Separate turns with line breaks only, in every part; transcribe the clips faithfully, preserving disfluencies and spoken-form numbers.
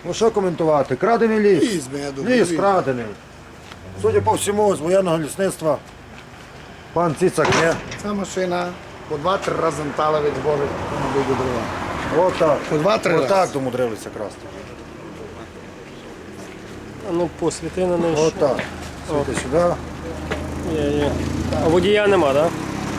Ну що коментувати? Крадений ліс.
Ліс, я думаю,
Ліс
ліс.
крадений. Судя по всьому, з воєнного лісництва пан Цицак є.
Ця машина по два-три рази мотала від збору до дрова.
Отак.
По два-три рази.
Отак домудрилися красти.
А ну посвіти на неї.
Отак. Світи сюди.
Є, є. А водія нема, так?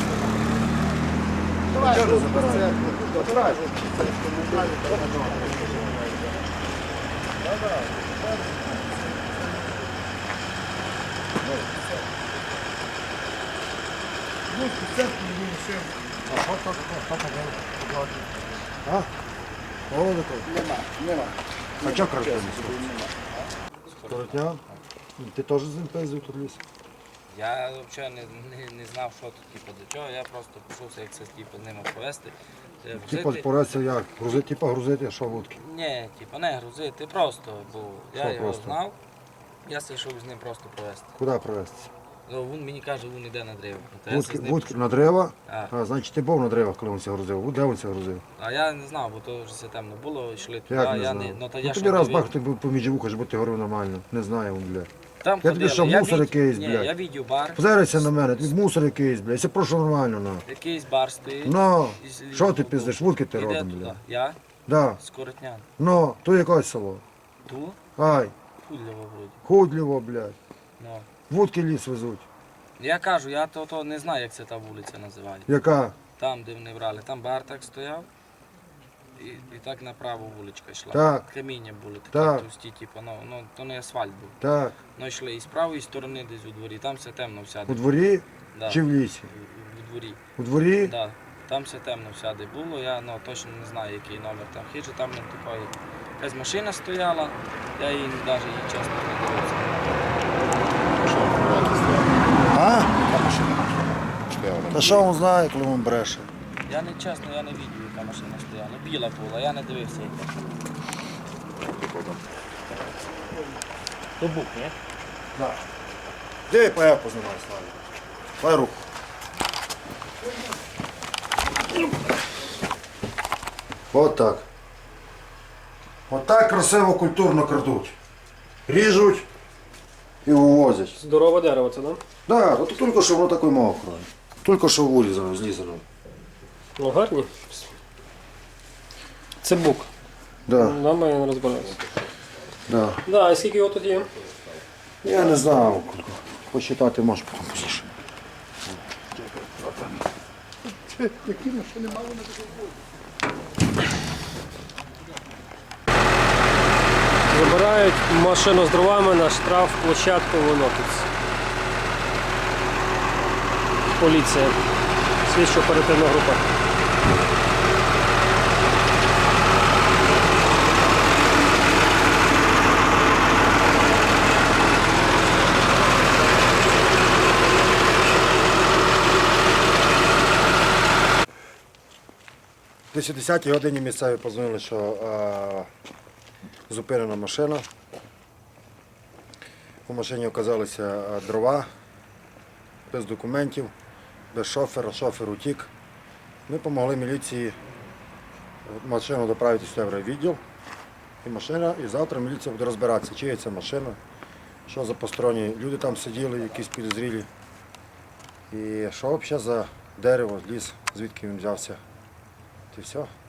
А? Голодно той?
Нема, нема.
А чого крадений? Коротня? Ти теж з ним пиздив тут ліс?
Я взагалі не, не, не знав, що тут типу, до чого. Я просто пішовся, як це типу, з ними повезти. Е,
Типа
взяти-
поразиться як? Грузити, типа грузити, а що вудки?
Ні, типу, не грузити, просто, бо я
Що
його
просто?
знав. Я йшов з ним просто провезти.
Куди провести?
Ну, він мені каже, він йде на древо. То я
Вудки,
з ним
вудки
пішов.
на дерева?
А.
А, значить ти був на деревах, коли він це грузив. Де він це грузив?
А я не знав, бо то вже все темно було, йшли туди.
Як не
я
знав?
не, ну, то
Ну,
я ж
тобі
не
раз
дивив.
бах, ти був поміж вуха, щоб ти говорив нормально. Не знаю він, бля.
Там
Я тобі
ходили,
що, мусор
від-
якийсь,
Ні,
блядь?
я відео бар.
Позирайся на мене, тобі мусор якийсь, бля. Я прошу нормально, на.
Якийсь бар стоїть.
Ну,
Із-
що ти
ну,
пиздиш, вудки ти
іде
родом,
туди.
бля.
Я?
Да.
З Коротнян.
Ну, то якось село.
Ту?
Ай,
Худлево вроді.
худліво, блядь.
Ну.
Вудки ліс везуть.
Я кажу, я то, то не знаю, як це та вулиця називається.
Яка?
Там, де вони брали, там бар так стояв. І, і так направо вуличка йшла.
Так.
Каміння були такі
Так.
товсті, типу, ну, ну, то не асфальт був.
Так.
Ну йшли і з правої сторони десь у дворі, там все темно всяде.
У дворі
Да.
чи в лісі?
У, у дворі.
У дворі?
Да. Там все темно всяде було, я ну, точно не знаю, який номер там хижі, там не такої. Якась машина стояла, я її навіть її чесно не дивився.
А?
Яка машина? Стояла.
Та що він знає, коли він бреше?
Я не чесно, я не бачив, яка машина стояла. Біла була, я не дивився яка. То бук, ні?
Да. Де ПЕ познімай, Славі? Дай руку. От так. От так красиво, культурно крадуть. Ріжуть і вивозять.
Здорове дерево це, так?
Да, от тільки що воно таке мокре. Тільки що вилізано, злізано.
Ну гарні. Це бук.
Да,
Нам ми не розбираємося.
да.
Да, і скільки його тут є?
Я не знаю, посчитати можеш потім пізніше.
Які машини мали на
Забирають машину з дровами на штраф площадку Лунопець. Поліція. Слідчо-оперативна група.
Десь о десятій годині місцеві подзвонили, що е, зупинена машина. У машині оказалися е, дрова, без документів, без шофера, шофер утік. Ми допомогли міліції машину доправити сюди в райвідділ. І машина, і завтра міліція буде розбиратися, чия це машина, що за посторонні люди там сиділи, якісь підозрілі. І що взагалі за дерево, ліс, звідки він взявся. І все.